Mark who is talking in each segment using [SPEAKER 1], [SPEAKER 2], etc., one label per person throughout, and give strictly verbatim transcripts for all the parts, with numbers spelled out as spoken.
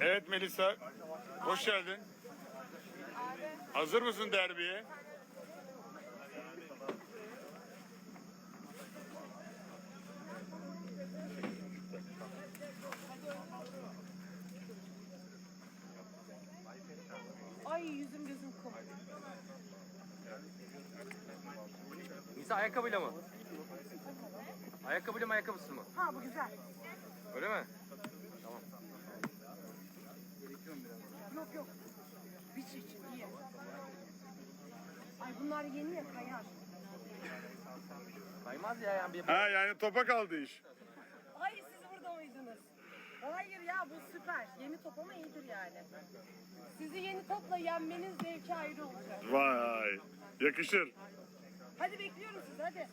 [SPEAKER 1] Evet Melisa, hoş geldin. Hazır mısın derbiye?
[SPEAKER 2] Ay yüzüm gözüm kum.
[SPEAKER 3] Nisa ayakkabıyla mı? Ayakkabıyla mı ayakkabısı mı?
[SPEAKER 2] Ha bu güzel.
[SPEAKER 3] Öyle mi? Tamam.
[SPEAKER 2] Yok yok. Biç için iyi. Ay bunlar yeni ya kayar.
[SPEAKER 3] Kaymaz ya yani bir...
[SPEAKER 1] Ha yani topa kaldı iş.
[SPEAKER 2] Ay siz burada mıydınız? Hayır ya bu süper. Yeni top ama iyidir yani. Sizi yeni topla yenmeniz zevki ayrı olacak.
[SPEAKER 1] Vay, yakışır.
[SPEAKER 2] Hadi bekliyorum sizi hadi.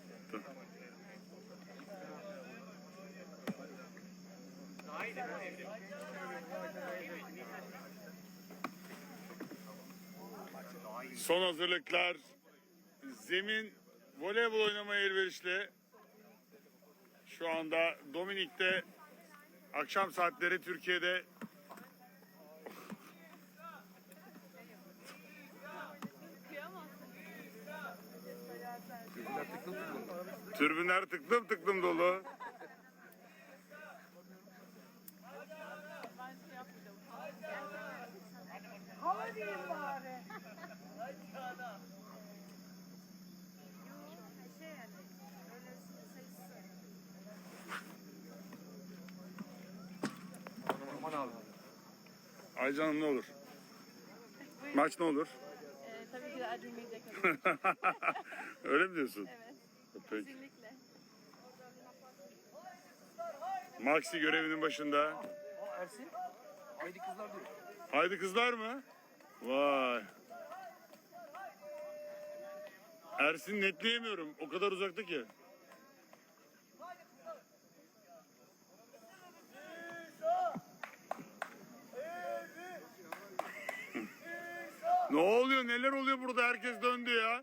[SPEAKER 1] Son hazırlıklar. Zemin voleybol oynamaya elverişli. Şu anda Dominik'te akşam saatleri Türkiye'de türbünler tıklım tıklım dolu.
[SPEAKER 2] Hava diyeyim bari.
[SPEAKER 3] Aman abi.
[SPEAKER 1] Aycan'ım ne olur? Maç ne olur?
[SPEAKER 4] Ee, tabii ki de acımayacak olur.
[SPEAKER 1] Öyle mi diyorsun?
[SPEAKER 4] Evet,
[SPEAKER 1] Peki.
[SPEAKER 4] kesinlikle.
[SPEAKER 1] Maxi görevinin başında.
[SPEAKER 3] Aa Ersin. Haydi kızlar diyor.
[SPEAKER 1] Haydi kızlar mı? Vay. Ersin netleyemiyorum. O kadar uzakta ki. Ne oluyor? Neler oluyor burada? Herkes döndü ya.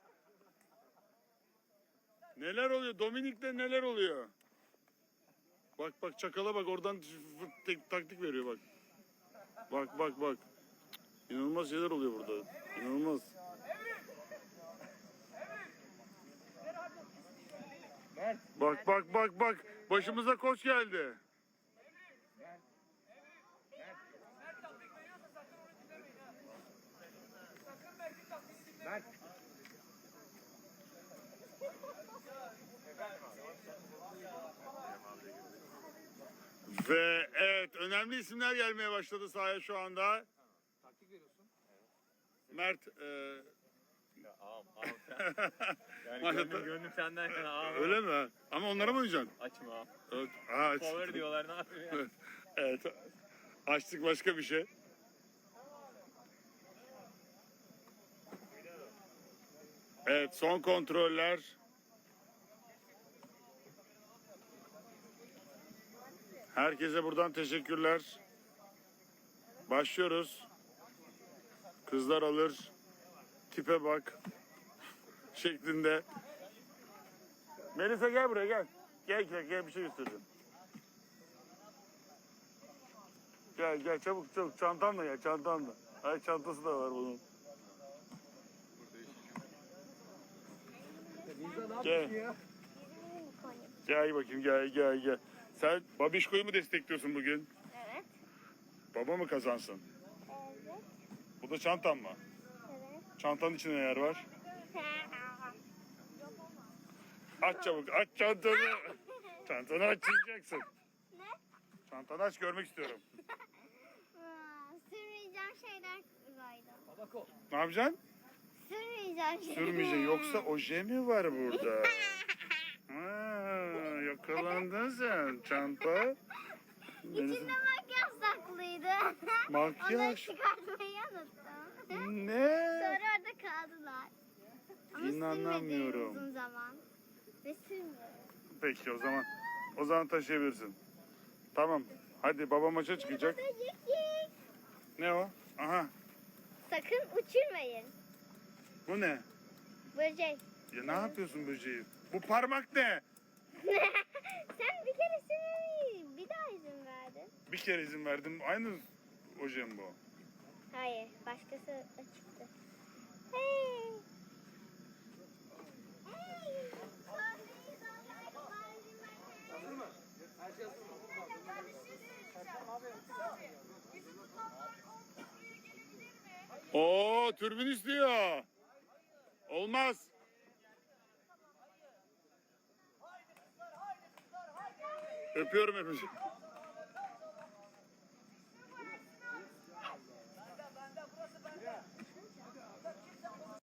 [SPEAKER 1] Neler oluyor? Dominik'te neler oluyor? Bak bak çakala bak oradan fırt- tek- taktik veriyor bak. Bak bak bak. İnanılmaz şeyler oluyor burada. İnanılmaz. Bak bak bak bak. Başımıza koç geldi. Ve evet önemli isimler gelmeye başladı sahaya şu anda.
[SPEAKER 3] Taktik veriyorsun.
[SPEAKER 1] Mert e,
[SPEAKER 5] Ağam, ağam sen. Yani
[SPEAKER 1] Maşallah.
[SPEAKER 5] gönlüm, gönlüm senden yana ağam.
[SPEAKER 1] öyle mi? Ama onlara mı oynayacaksın?
[SPEAKER 5] Açma ağam.
[SPEAKER 1] Evet. Aa,
[SPEAKER 5] Power diyorlar ne yapayım ya.
[SPEAKER 1] evet. Açtık başka bir şey. Evet son kontroller. Herkese buradan teşekkürler. Başlıyoruz. Kızlar alır. Tipe bak. Şeklinde. Melisa gel buraya gel. Gel gel gel bir şey göstereceğim. Gel gel çabuk çabuk çantanla gel çantanla. Ay çantası da var bunun.
[SPEAKER 3] Nisa ne
[SPEAKER 1] Gel.
[SPEAKER 3] yapıyorsun ya?
[SPEAKER 1] Gel bakayım gel gel gel. Sen Babişko'yu mu destekliyorsun bugün?
[SPEAKER 4] Evet.
[SPEAKER 1] Baba mı kazansın?
[SPEAKER 4] Evet.
[SPEAKER 1] Bu da çantan mı?
[SPEAKER 4] Evet.
[SPEAKER 1] Çantanın içinde neler var? Aç çabuk aç çantanı. Çantanı açacaksın.
[SPEAKER 4] Ne?
[SPEAKER 1] Çantanı aç görmek istiyorum.
[SPEAKER 4] Aa, sürmeyeceğim şeyler koydum.
[SPEAKER 3] Tabako.
[SPEAKER 1] Ne yapacaksın?
[SPEAKER 4] Sürmeyeceğim şeyler.
[SPEAKER 1] Sürmeyeceksin. Yoksa oje mi var burada? Ha, yakalandın sen. Çanta.
[SPEAKER 4] İçinde makyaj saklıydı.
[SPEAKER 1] Makyaj.
[SPEAKER 4] Onları çıkartmayı unuttum.
[SPEAKER 1] Ne?
[SPEAKER 4] Sonra orada kaldılar. Ama
[SPEAKER 1] İnanamıyorum.
[SPEAKER 4] sürmedim uzun zaman. Ve sürmüyorum.
[SPEAKER 1] Peki o zaman. O zaman taşıyabilirsin. Tamam. Hadi baba maça çıkacak.
[SPEAKER 4] Babacık.
[SPEAKER 1] Ne o? Aha.
[SPEAKER 4] Sakın uçurmayın.
[SPEAKER 1] Bu ne?
[SPEAKER 4] Böcek.
[SPEAKER 1] Ya ne yapıyorsun böceği? Bu parmak ne?
[SPEAKER 4] Sen bir kere sürmeyi bir daha izin verdin.
[SPEAKER 1] Bir kere izin verdim. Aynı o jumbo.
[SPEAKER 4] Hayır, başkası da çıktı. Hey! Hey!
[SPEAKER 3] Hazır mı? Her şey hazır mı?
[SPEAKER 1] Oo, türbün istiyor. Olmaz. Öpüyorum hepinizi.